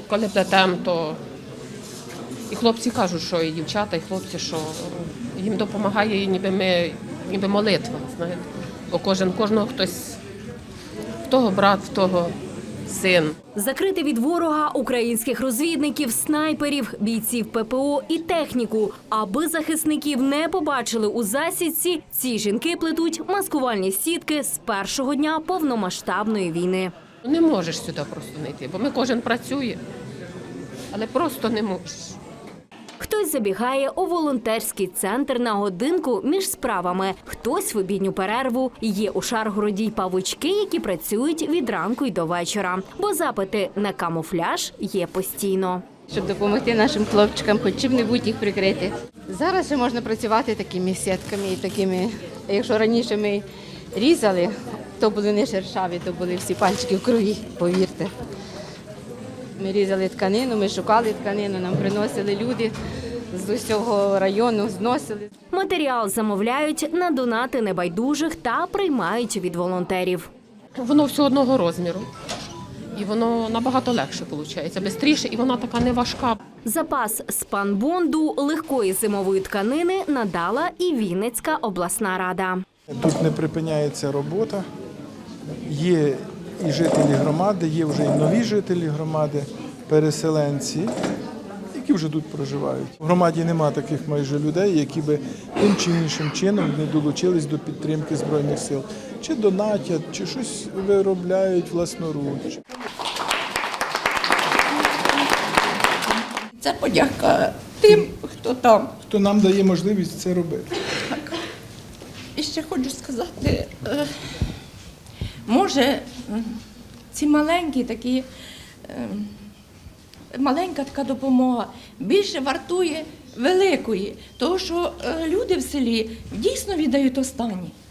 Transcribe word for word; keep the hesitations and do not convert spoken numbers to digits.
коли плетемо, то і хлопці кажуть, що і дівчата, і хлопці, що їм допомагає, ніби ми, ніби молитва, знаєте. Бо кожен, кожного хтось, в того брат, в того син. Закрити від ворога українських розвідників, снайперів, бійців ППО і техніку. Аби захисників не побачили у засідці, ці жінки плетуть маскувальні сітки з першого дня повномасштабної війни. Не можеш сюди просто не йти, бо ми кожен працює, але просто не можеш. Хтось забігає у волонтерський центр на годинку між справами, хтось в обідню перерву. Є у Шаргороді й павучки, які працюють від ранку й до вечора, бо запити на камуфляж є постійно. Щоб допомогти нашим хлопчикам, хоч чим-небудь їх прикрити. Зараз ще можна працювати такими сітками і такими, якщо раніше ми різали, то були не шершаві, то були всі пальчики в крові, повірте. Ми різали тканину, ми шукали тканину, нам приносили люди з усього району, зносили. Матеріал замовляють на донати небайдужих та приймають від волонтерів. Воно все одного розміру. І воно набагато легше виходить, швидше, і вона така не важка. Запас спанбонду легкої зимової тканини надала і Вінницька обласна рада. Тут не припиняється робота. Є і жителі громади, є вже і нові жителі громади, переселенці, які вже тут проживають. В громаді немає таких майже людей, які би тим чи іншим чином не долучились до підтримки Збройних сил. Чи донатять, чи щось виробляють власноруч. Це подяка тим, хто там. Хто нам дає можливість це робити. Так. І ще хочу сказати, е, може, ці маленькі такі, е, маленька така допомога більше вартує великої, тому що е, люди в селі дійсно віддають останні.